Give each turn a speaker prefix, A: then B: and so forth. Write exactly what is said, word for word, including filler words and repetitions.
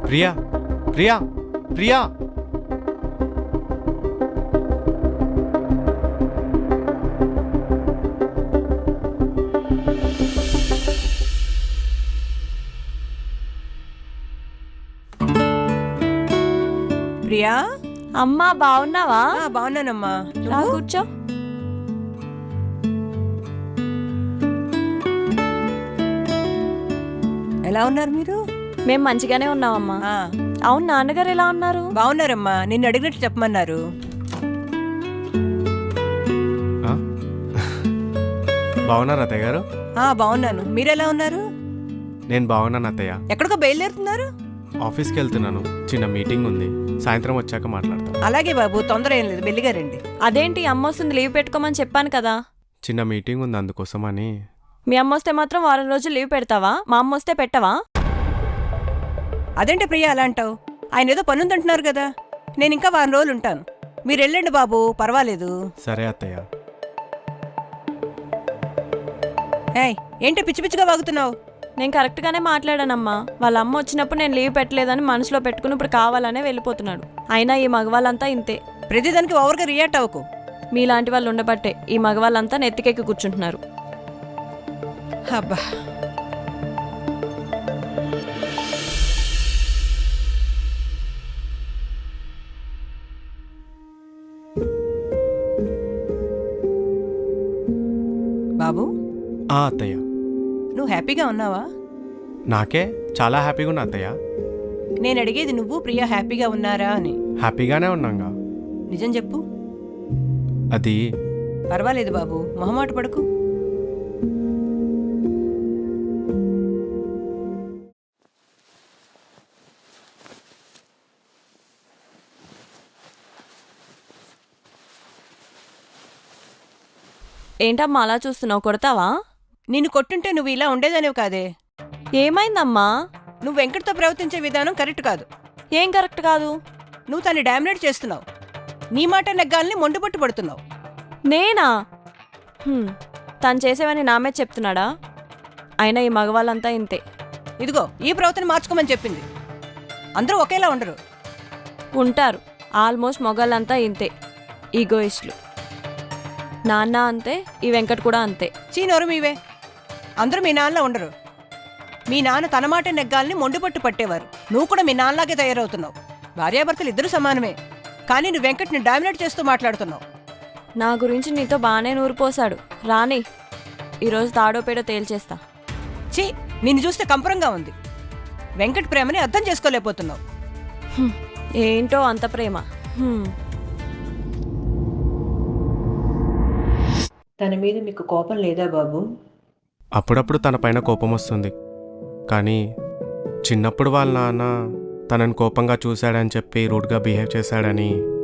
A: ప్రియా ప్రియా ప్రియా
B: ప్రియా
C: అమ్మా బాగున్నావా?
B: ఆ, బాగున్నానమ్మా.
C: రా
B: నువ్వు?
C: కూర్చో.
B: ఎలా ఉన్నారు మీరు?
C: మేము మంచిగానే ఉన్నామమ్మా.
B: ఆ,
C: అవును, నాన్నగారు ఎలా ఉన్నారు?
B: బాగున్నారమ్మా. నిన్ను అడిగినట్టు చెప్పమన్నారు.
A: ఆ? బాగున్నారా అత్తయ్య గారు?
B: ఆ, బాగున్నాను. మీరెలా ఉన్నారు?
A: నేను బాగున్నాను అత్తయ్య.
B: ఎక్కడికో బయలుదేరుతున్నారు?
A: ఆఫీస్కి వెళ్తున్నాను, చిన్న మీటింగ్ ఉంది, సాయంత్రం వచ్చాక మాట్లాడతాను.
B: అలాగే బాబు, తొందర ఏం లేదు, మెల్లిగా రండి.
C: అదేంటి అమ్మ వస్తుంది, లీవ్ పెట్టుకోమని చెప్పాను కదా.
A: చిన్న మీటింగ్ ఉంది అందుకోసమని.
C: మీ అమ్మ వస్తే మాత్రం వారం రోజులు లీవ్ పెడతావా? మా అమ్మ వస్తే పెట్టవా?
B: అదేంటి ప్రియా అలా అంటావు? ఆయన ఏదో పనుందంటున్నారు కదా. నేను ఇంకా వారం రోజులు ఉంటాను. మీరు వెళ్ళండి బాబు, పర్వాలేదు.
A: సరే అత్తయ్య.
B: ఏయ్, ఏంటి పిచ్చి పిచ్చిగా వాగుతున్నావు?
C: నేను కరెక్ట్గానే మాట్లాడానమ్మా. వాళ్ళ అమ్మ వచ్చినప్పుడు నేను లీవ్ పెట్టలేదని మనసులో పెట్టుకుని ఇప్పుడు కావాలనే వెళ్ళిపోతున్నాడు. అయినా ఈ మగవాళ్ళంతా ఇంతే.
B: ప్రతిదానికి ఓవర్గా రియాక్ట్ అవ్వకు.
C: మీలాంటి వాళ్ళు ఉండబట్టే ఈ మగవాళ్ళంతా నెత్తికెక్కి కూర్చుంటున్నారు.
B: అబ్బా, బాబు
A: ఆ అత్తయ్య,
B: నువ్వు హ్యాపీగా ఉన్నావా?
A: నాకే చాలా హ్యాపీగా ఉన్నా అత్తయ్య.
B: నేను అడిగేది నువ్వు ప్రియా హ్యాపీగా ఉన్నారా అని.
A: హ్యాపీగానే ఉన్నాగా.
B: నిజం చెప్పు.
A: అది
B: పర్వాలేదు బాబు, మొహమాట పడకు.
C: ఏంటమ్మా అలా చూస్తున్నావు? కొడతావా?
B: నిన్ను కొట్టుంటే నువ్వు ఇలా ఉండేదానివి కాదే.
C: ఏమైందమ్మా?
B: నువ్వు వెంకట్తో ప్రవర్తించే విధానం కరెక్ట్ కాదు.
C: ఏం కరెక్ట్ కాదు?
B: నువ్వు తన్ని డామినేట్ చేస్తున్నావు. నీ మాట నెగ్గాలని మొండిపట్టు పడుతున్నావు.
C: నేనా? హ్మ్, తను చేసేవని నామే చెప్తున్నాడా? అయినా ఈ మగవాళ్ళంతా ఇంతే.
B: ఇదిగో ఈ ప్రవర్తన మార్చుకోమని చెప్పింది. అందరూ ఒకేలా ఉండరు.
C: ఉంటారు. ఆల్మోస్ట్ మొగాళ్ళంతా ఇంతే, ఈగోయిస్టులు. నాన్న అంతే, ఈ వెంకట్ కూడా అంతే.
B: చీనోరు మీవే. అందరూ మీ నాన్నలా ఉండరు. మీ నాన్న తన మాట నెగ్గాలని మొండిపట్టు పట్టేవారు. నువ్వు కూడా మీ నాన్నలాగే తయారవుతున్నావు. భార్యాభర్తలు ఇద్దరు సమానమే, కానీ నువ్వు వెంకట్ని డామినేట్ చేస్తూ మాట్లాడుతున్నావు.
C: నా గురించి నీతో బాగానే నూరిపోసాడు. రాని, ఈరోజు తాడో పేడో తేల్చేస్తా.
B: చీ, నిన్ను చూస్తే కంపరంగా ఉంది. వెంకట్ ప్రేమని అర్థం చేసుకోలేకపోతున్నావు.
C: హ్మ్, ఏంటో అంత ప్రేమ. హ్మ్.
B: తన మీద మీకు కోపం లేదా బాబు?
A: అప్పుడప్పుడు తన పైన కోపం వస్తుంది, కానీ చిన్నప్పుడు వాళ్ళ నాన్న తనని కోపంగా చూశాడని చెప్పి రూడ్గా బిహేవ్ చేశాడని